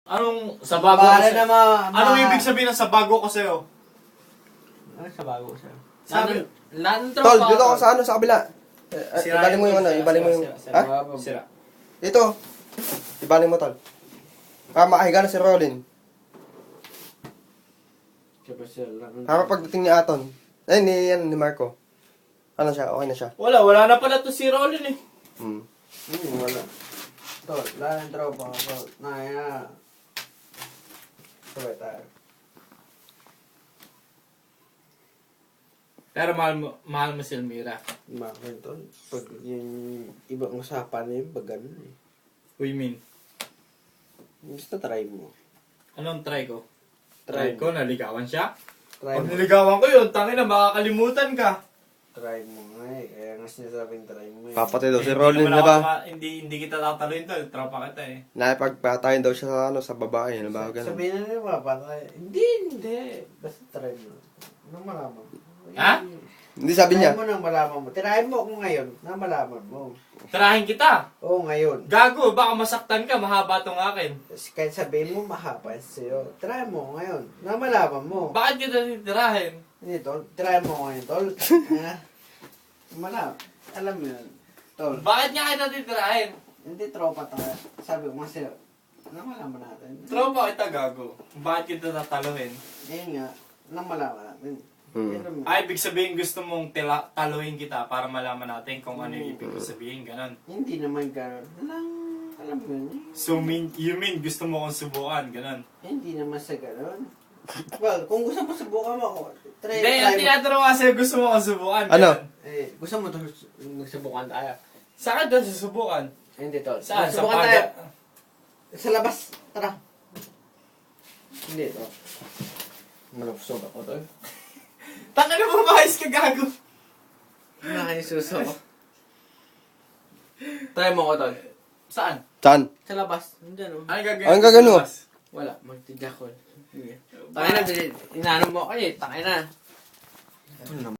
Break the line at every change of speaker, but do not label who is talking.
Anong sa bago ko
Para
sa'yo?
na
Anong ibig sabihin ng sa bago ko sa'yo?
Ano sa bago sa'yo?
Sabi,
Lahat ng
Tol,
tropa.
dito ako sa ano, sa kabila. Ibaling mo yung ano, ibaling mo yung... Ha?
Sira.
Dito. Ibaling mo, tol. Para makahiga na si Rolin. Para pagdating ni Aton. Ay, ni Marco. Ano siya? Okay na siya.
Wala na pala to si Rolin eh.
Wala. Tol, lahat ng tropa ko. Tol, na. Sabay tayo.
Pero mahal mo si Elmira.
Bakit, tol? Pag yung ibang usapan na yun, pag ganun eh.
What you mean?
Gusto try mo.
Anong try ko?
Try
Try ko, naligawan siya?
Try
Pag
mo.
niligawan ko yun, tangin na makakalimutan ka.
Try mo nga eh. Kaya nga sinasabing try mo eh.
Papatay daw si
Hindi
Rolin,
naman
di
ako
ba?
hindi kita tataluin to, tropa kita eh.
Nakipagpatayin daw siya sa ano, sa babae. Ano ba? Ganun.
Sabihin na nila papatay. Hindi. Basta try mo. Nang malaman mo.
Ha?
Hindi sabi niya.
Try mo nang malaman mo. Tirahin mo ako ngayon nang malaman mo.
Tirahin kita.
Oo, ngayon.
Gago, baka masaktan ka, mahaba tong akin.
Kahit sabihin mo mahaba sa'yo. Try mo ngayon nang malaman mo.
Bakit kita titirahin?
Hindi, tol. Try mo ngayon, tol. Ha? Alam mo yun. Tol.
Bakit nga kita titirahin?
Hindi tropa tayo. Sabi ko nga sa'yo. Nang malaman natin.
Tropa kita, gago. Bakit kita tataluhin?
Ayun nga. Nang malaman natin.
Hmm.
Alam mo.
Ay, ibig sabihin gusto mong taluhin kita para malaman natin kung ano yung ibig sabihin, ganon.
Hindi naman gano'n. Alam mo yun.
So, you mean gusto mo kong subukan, ganon?
Hindi naman sa gano'n. Well, kung gusto mo subukan mo ako, try
Hindi, ang
mo.
tinatanong ko kasi gusto mo kong subukan,
Ano?
ganon.
Gusto mo magsubukan tayo?
Saan ka doon susubukan?
Hindi, tol.
Saan? Sa
Subukan tayo.
paga?
Sa labas. Tara. Hindi, tol. Malapsog ako, tol.
Tanga na mo, mahayos ka, gago.
Nakayasuso ko. Try mo ko, tol.
Saan?
Saan?
Sa labas. Nandiyan, oh.
Ano gagawin?
Anong gagawin mo?
Wala. Magtidyak ko. Sige. Tangin na, inaano mo ako eh. Tangin na. Ito na